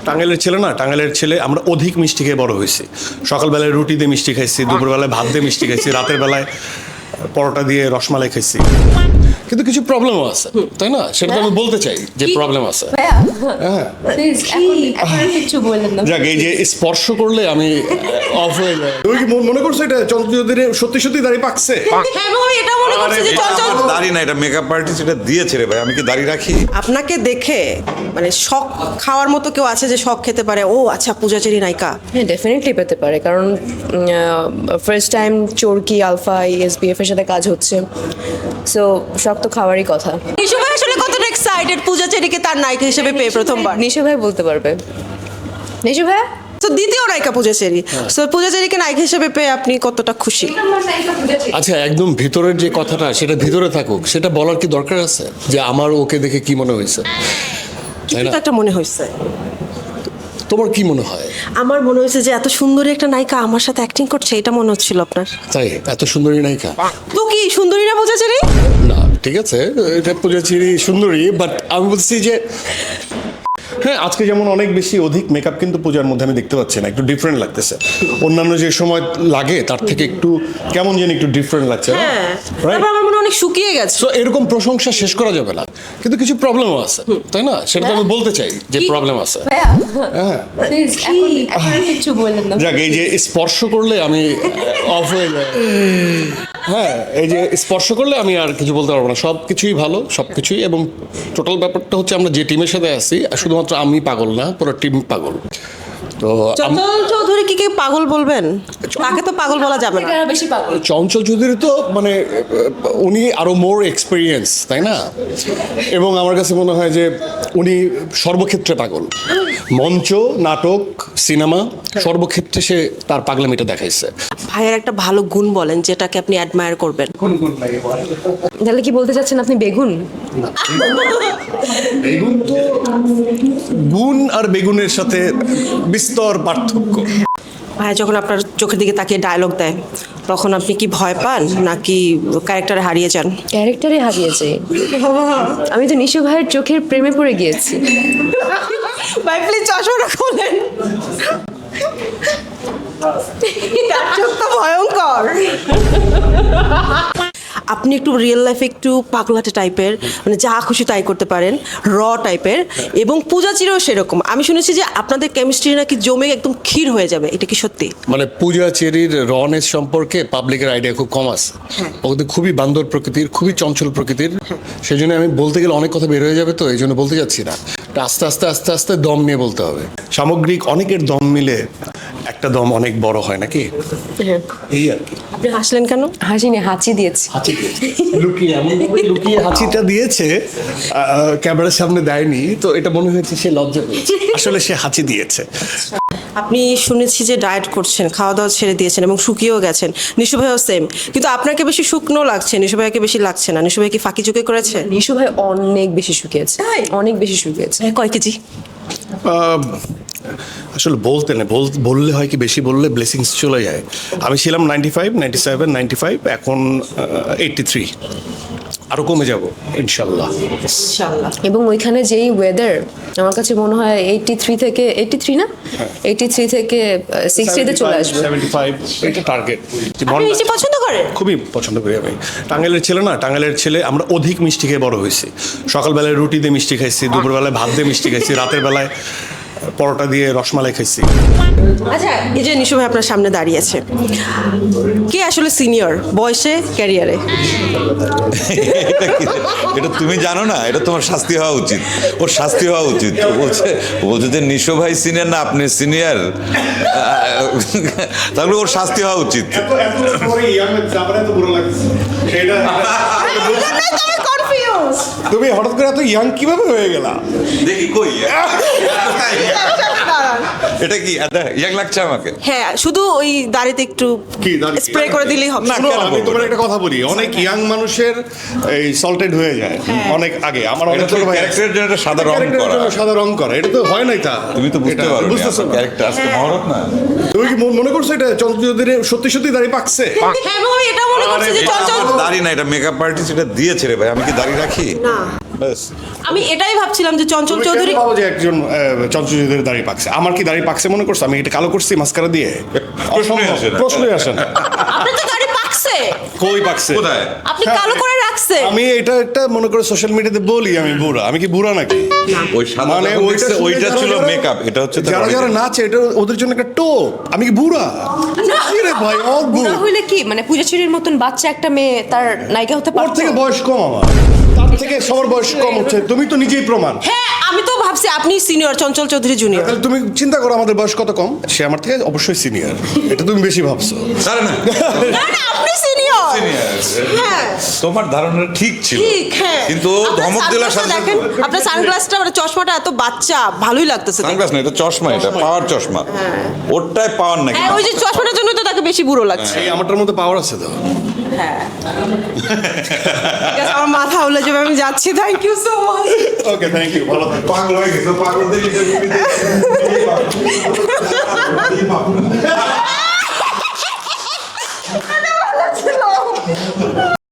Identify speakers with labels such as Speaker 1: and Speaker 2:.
Speaker 1: টাঙ্গাইলের ছেলে না, টাঙ্গাইলের ছেলে আমরা অধিক মিষ্টি খেয়ে বড় হয়েছি। সকালবেলায় রুটি দিয়ে মিষ্টি খাইছি, দুপুরবেলায় ভাত দিয়ে মিষ্টি খাইছি, রাতের বেলায় পরোটা দিয়ে রসমালাই খাইছি। কিন্তু কিছু প্রবলেমও আছে, তাই না? সেটা তো আমি বলতে চাই যে প্রবলেম আছে। হ্যাঁ, যাক, এই যে স্পর্শ করলে আমি অফ হয়ে যায়। তুমি কি মনে করছো এটা চন্দ্রজ্যোতির সত্যি সত্যি দাড়ি পাকছে?
Speaker 2: দাড়ি না, এটা মেকআপ আর্টিস্ট এটা দিয়েছে রে ভাই। আমি কি দাড়ি রাখি?
Speaker 3: আপনাকে দেখে মানে শখ খাওয়ার মতো কেউ আছে যে শখ খেতে পারে? ও আচ্ছা, পূজাচেরি নায়িকা।
Speaker 4: হ্যাঁ, ডেফিনেটলি পেতে পারে, কারণ first time Chorki alpha SBF এর সাথে কাজ হচ্ছে, সো শখ তো খাওয়ারই কথা।
Speaker 3: নিশু ভাই আসলে কতটা এক্সাইটেড পূজাচেরিকে তার নায়িকা হিসেবে পেয়ে প্রথমবার?
Speaker 4: নিশু ভাই বলতে পারবে। নিশু ভাই
Speaker 3: তো দ্বিতীয় নায়িকা পূজাচেরি, তো পূজাচেরিকে নায়িকা হিসেবে পেয়ে আপনি কতটা খুশি?
Speaker 1: আচ্ছা, একদম ভিতরের যে কথাটা সেটা ভিতরে থাকুক, সেটা বলার কি দরকার আছে যে আমার ওকে দেখে কি মনে হয়েছে?
Speaker 3: কিছু তো একটা মনে হয়েছে।
Speaker 1: তোমার কি মনে হয়?
Speaker 3: আমার মনে হয়েছে যে এত সুন্দরী একটা নায়িকা আমার সাথে অ্যাক্টিং করছে, এটা মনে হচ্ছিল আপনার।
Speaker 1: তাই? এত সুন্দরী নায়িকা
Speaker 3: তো কি সুন্দরী না পূজাচেরি?
Speaker 1: না, ঠিক আছে, এটা পূজাচেরি সুন্দরী, বাট আমি বলছি যে হ্যাঁ, আজকে যেমন অনেক বেশি অধিক মেকআপ কিন্তু পূজার মধ্যে আমি দেখতে পাচ্ছি না, একটু ডিফারেন্ট লাগতেছে। অন্যান্য যে সময় লাগে তার থেকে একটু কেমন যেন একটু ডিফারেন্ট লাগছে।
Speaker 3: হ্যাঁ, তারপর আমার মনে হয় অনেক শুকিয়ে গেছে।
Speaker 1: সো এরকম প্রশংসা শেষ করা যাবে না, কিন্তু কিছু প্রবলেমও আছে, তাই না? সেটা তো আমি বলতে চাই যে প্রবলেম আছে। হ্যাঁ, যাক, এই যে স্পর্শ করলে আমি অফ হয়ে যায়। হ্যাঁ, এই যে স্পর্শ করলে আমি আর কিছু বলতে পারবো না। সব কিছুই ভালো, সব কিছুই, এবং টোটাল ব্যাপারটা হচ্ছে আমরা যে টিমের সাথে আছি, শুধুমাত্র আমি পাগল না, পুরো টিম পাগল। তো
Speaker 3: চঞ্চল চৌধুরী কি পাগল বলবেন? তাকে তো পাগল বলা যাবে না।
Speaker 4: বেশি পাগল।
Speaker 1: চঞ্চল চৌধুরী তো মানে উনি আরো মোর এক্সপিরিয়েন্স, তাই না? এবং আমার কাছে মনে হয় যে উনি সর্বক্ষেত্রে পাগল। মঞ্চ, নাটক, সিনেমা, সর্বক্ষেত্রে সে তার পাগলামিটা দেখাইছে।
Speaker 3: ভাইয়ের একটা ভালো গুণ বলেন যেটাকে আপনি অ্যাডমায়ার করবেন।
Speaker 4: তাহলে কি বলতে চাচ্ছেন আপনি বেগুন?
Speaker 1: বেগুন তো গুণ আর বেগুনের সাথে বিস্তর পার্থক্য।
Speaker 3: ভাইয়া যখন আপনার চোখের দিকে তাকিয়ে ডায়লগ দেয় তখন আপনি কি ভয় পান নাকি ক্যারেক্টারে হারিয়ে যান?
Speaker 4: ক্যারেক্টারে হারিয়েছে। আমি তো নিশু ভাইয়ের চোখের প্রেমে পড়ে গিয়েছি।
Speaker 3: ভাই প্লিজ চশমাটা খোলেন, চোখ তো ভয়ঙ্কর। আপনি একটু রিয়েল লাইফে একটু পাগলাটে টাইপের, মানে যা খুশি তাই করতে পারেন, র টাইপের, এবং পূজাচিরও সেরকম। আমি শুনেছি যে আপনাদের কেমিস্ট্রি নাকি জমে একদম ক্ষীর হয়ে যাবে, এটা কি সত্যি?
Speaker 1: মানে পূজাচেরির রনেস সম্পর্কে পাবলিকের আইডিয়া খুব কম আছে। ও কিন্তু খুবই বান্দর প্রকৃতির, খুবই চঞ্চল প্রকৃতির। সেই জন্য আমি বলতে গেলে অনেক কথা বের হয়ে যাবে, তো এই জন্য বলতে যাচ্ছি না। আস্তে আস্তে আস্তে আস্তে দম নিয়ে বলতে হবে। সামগ্রিক অনেকের দম মিলে একটা দম অনেক বড় হয়, নাকি? এই আর কি।
Speaker 3: আপনি হাসলেন কেন?
Speaker 4: হাসিনি, হাঁচি দিয়েছি।
Speaker 1: লুকিয়ে লুকিয়ে হাঁচিটা দিয়েছে, ক্যামেরার সামনে দেয়নি, তো এটা মনে হয়েছে সে লজ্জা পেয়েছে। আসলে সে হাঁচি দিয়েছে।
Speaker 3: আপনি শুনেছি যে ডায়েট করছেন, খাওয়া দাওয়া ছেড়ে দিয়েছেন এবং শুকিয়েও গেছেন। নিশু ভাইও সেম, কিন্তু আপনাকে বেশি শুকনো লাগছে, নিশু ভাইকে বেশি লাগছে না। নিশু ভাই কি ফাঁকি চুকি করেছে?
Speaker 4: নিশু ভাই অনেক বেশি শুকিয়েছে, অনেক বেশি শুকিয়েছে।
Speaker 3: কয় কেজি?
Speaker 1: আসলে বলতে না, বললে হয় কি, বেশি বললে ব্লেসিংস চলে যায়। আমি ছিলাম 95, 97, 95, এখন 83। আরো কমে যাব ইনশাল্লাহ।
Speaker 3: ইনশাআল্লাহ।
Speaker 4: এবং ওইখানে যেই ওয়েদার, আমার কাছে মনে হয় 83 থেকে 83 না 83 থেকে 60 তে চলে আসবে।
Speaker 1: 75 এটা টার্গেট।
Speaker 3: আপনি মিষ্টি পছন্দ করেন?
Speaker 1: খুবই পছন্দ করি আমি। টাঙ্গাইলের ছেলে না, টাঙ্গাইলের ছেলে আমরা অধিক মিষ্টি খেয়ে বড় হয়েছি। সকালবেলায় রুটি দিয়ে মিষ্টি খাইছি, দুপুরবেলায় ভাত দিয়ে মিষ্টি খাইছি, রাতের বেলায় পরোটা দিয়ে রসমালাই খাইছি।
Speaker 3: আচ্ছা, এই যে নিশু ভাই আপনার সামনে দাঁড়িয়ে আছে, কে আসলে সিনিয়র বয়সে, ক্যারিয়ারে?
Speaker 2: এটা তুমি জানো না, এটা তোমার শাস্তি হওয়া উচিত। ওর শাস্তি হওয়া উচিত। বলছে যে নিশো ভাই সিনিয়র না আপনি সিনিয়র, তাহলে ওর শাস্তি হওয়া উচিত।
Speaker 1: তুমি হঠাৎ করে এত ইয়াং কিভাবে হয়ে গেলা?
Speaker 2: দেখি কই এটা কি ইয়াং লাগছে আমাকে?
Speaker 3: হ্যাঁ, শুধু ওই দাড়িতে একটু স্প্রে করে দিলেই হবে।
Speaker 1: আমি তোমার একটা কথা বলি, অনেক ইয়াং মানুষের এই সল্টেড হয়ে যায় অনেক আগে। আমার অনেক ছোট ভাই
Speaker 2: ক্যারেক্টারের জন্য সাদা রং করা,
Speaker 1: সাদা রং করা, এটা তো হয় নাই। তা
Speaker 2: তুমি তো বুঝতে পারো
Speaker 1: বুঝতেছো না।
Speaker 2: ক্যারেক্টার আজকে মহরত না।
Speaker 1: তুমি কি মনে করছো এটা চন্দ্রজ্যোতির সত্যি সত্যি দাড়ি পাকছে?
Speaker 3: হ্যাঁ, আমি এটা মনে করছি যে চঞ্চল
Speaker 2: দাড়ি না, এটা মেকআপ আর্টিস্ট এটা দিয়েছে রে ভাই। আমি কি দাড়ি রাখি?
Speaker 3: না।
Speaker 2: ব্যাস।
Speaker 3: আমি এটাই ভাবছিলাম যে চঞ্চল চৌধুরী
Speaker 1: ভাবো যে একজন চঞ্চল চৌধুরী দাড়ি পাকছে, আমার কি দাড়ি পাকছে মনে করছো? আমি এটা কালো করছি মাস্কারা দিয়ে?
Speaker 2: প্রশ্নই আসে না।
Speaker 1: প্রশ্নই আসে না।
Speaker 3: আপনার তো দাড়ি পাকছে,
Speaker 1: কই পাকছে?
Speaker 2: কোথায়?
Speaker 3: আপনি কালো করে রাখছে।
Speaker 1: আমি এটা একটা মনে করে সোশ্যাল মিডিয়াতে বলি আমি বুড়া, আমি কি বুড়া নাকি?
Speaker 2: ওই সাদা
Speaker 1: মানে
Speaker 2: যখন দেখছে,
Speaker 1: শুনে
Speaker 2: ওইটা
Speaker 1: যারা
Speaker 2: ছিল
Speaker 1: যারা-
Speaker 2: মেকআপ, এটা হচ্ছে তার
Speaker 1: যারা যারা
Speaker 2: original।
Speaker 1: নাচে এটা ওদের জন্য একটা টোপ। আমি কি বুড়া? কি রে ভাই, অদ্ভুত।
Speaker 4: বুড়া হইলে কি মানে পূজাচুরির মতন বাচ্চা একটা মেয়ে তার নায়িকা হতে
Speaker 1: ওর
Speaker 4: পারতো?
Speaker 1: থেকে বয়স কম আমার, তার থেকে সবার বয়স কম হচ্ছে। তুমি তো নিজেই প্রমাণ।
Speaker 3: হ্যাঁ আমি তো ভাবছি আপনি সিনিয়র, চঞ্চল চৌধুরী জুনিয়র।
Speaker 1: তাহলে তুমি চিন্তা করো আমাদের বয়স কত কম। সে আমার থেকে অবশ্যই সিনিয়র, এটা তুমি বেশি ভাবছো।
Speaker 2: আরে না,
Speaker 3: না না আপনি সিনিয়র।
Speaker 2: senior।
Speaker 3: হ্যাঁ
Speaker 2: তোমার ধারণা ঠিক ছিল,
Speaker 3: ঠিক, হ্যাঁ।
Speaker 2: কিন্তু ও
Speaker 3: আপনার
Speaker 2: ধমক দেওয়ার সাথে
Speaker 3: সানগ্লাসটা
Speaker 2: সাথে
Speaker 3: দেখেন, আপনার সানগ্লাসটা মানে চশমাটা এত বাচ্চা, ভালোই লাগতেছে দেখতে।
Speaker 2: সানগ্লাস না, এটা চশমা, এটা পাওয়ার চশমা। ওরটাই পাওয়ার নাকি?
Speaker 3: হ্যাঁ ওই যে চশমাটার জন্য তো তাকে বেশি বুড়ো লাগছে।
Speaker 1: এই আমারটার মধ্যে পাওয়ার আছে তো।
Speaker 3: হ্যাঁ ঠিক আছে, আমার মাথা উলে যাবে, আমি যাচ্ছি। Thank you so much.
Speaker 1: Okay, thank you, ভালো থাকো।
Speaker 2: পাগল হয়ে গেছে, পাগলদের interview দিতে।